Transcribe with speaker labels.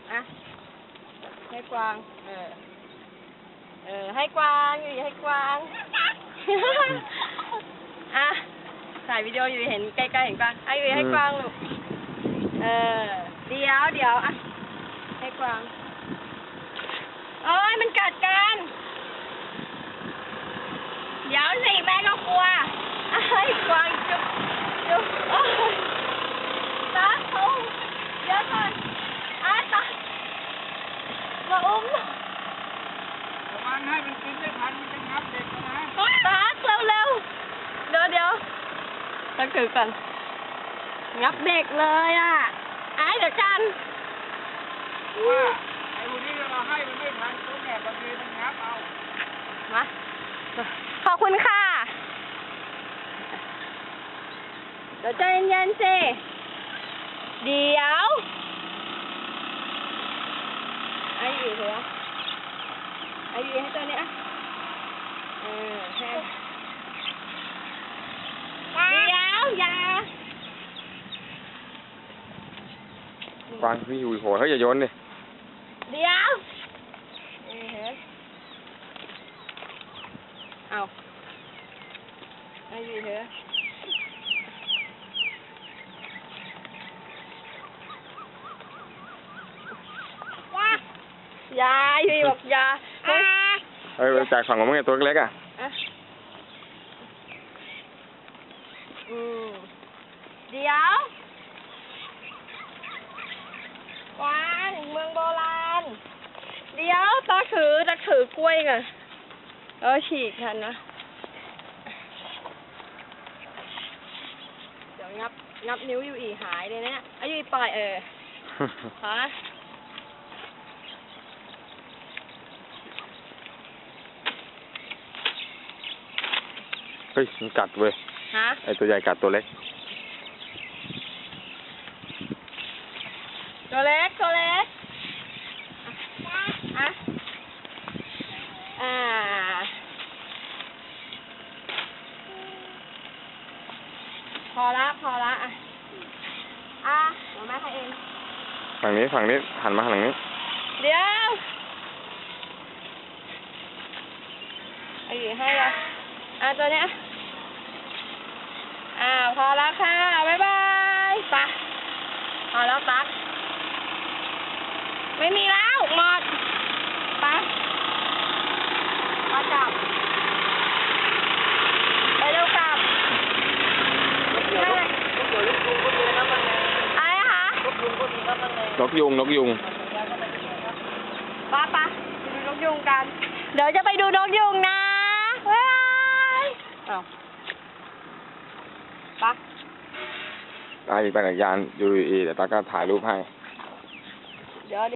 Speaker 1: อ่ะให้กวางให้กวางอยู่ให้กวางอ่ะถ่ายวิดีโออยู่เห็นใกล้ๆเห็นกวางอยู่ให้กวางลูกเดี๋ยวอ่ะให้กวางโอ้ยมันกัดกันเดี๋ยวสิแม่ก็กลัวให้กวางจุ๊บตาเขาเดี๋ยวก่อนตามาอุ้ม
Speaker 2: ระวังให้มันกินไม่ทันมันจะงับเด็กนะ
Speaker 1: ตาเร็วเดี๋ยวต้องถือก่อนงับเด็กเลยอ่ะเดี๋ยวกัน
Speaker 2: ว่าไอ้พวกนี้เราให้มันไม่ทันตัวแม่บางทีมันงับเอา
Speaker 1: มาขอบคุณค่ะเดี๋ยวใจเย็นๆสิเดี๋ยวอยู่เหรออยู่ให้ตัวนี้ให้เดี๋ยวอย่
Speaker 3: ากวางพี่อยู่หัวเขาอย่าโยนดิ
Speaker 1: เดี๋ยวเอาอยู่เหรอยาอยู่บอกยา
Speaker 3: จากฝั่งของมึงไงตัวเล็กอ่ะ
Speaker 1: เดี๋ยวกวางเมืองโบราณเดี๋ยวตาถือกล้วยก่อนฉีกทันนะเดี๋ยวงับนิ้วอยู่หายเลยเนี่ยอยู่ปล่อยฮะ
Speaker 3: เฮ้ยมันกัดเว้ยไอตัวใหญ่กัดตัวเล็ก
Speaker 1: พอละเดี๋ยวแม่ให้เอง
Speaker 3: ฝั่งนี้หันมาฝั่งนี้
Speaker 1: เดี๋ยวอยู่ให้ละตัวเนี้ยพอแล้วค่ะบ๊ายบายไปพอแล้วตั๊กไม่มีแล้วหมดไปกลับไปเร็วกลับ
Speaker 3: นกยุง
Speaker 1: ป้าไปดูนกยุงกันเดี๋ยวจะไปดูนกยุงนะบ๊ายบายป้า
Speaker 3: ปั่นจักรยานอยู่เดี๋ยวตาก็ถ่ายรูปให้
Speaker 1: เดี๋ยว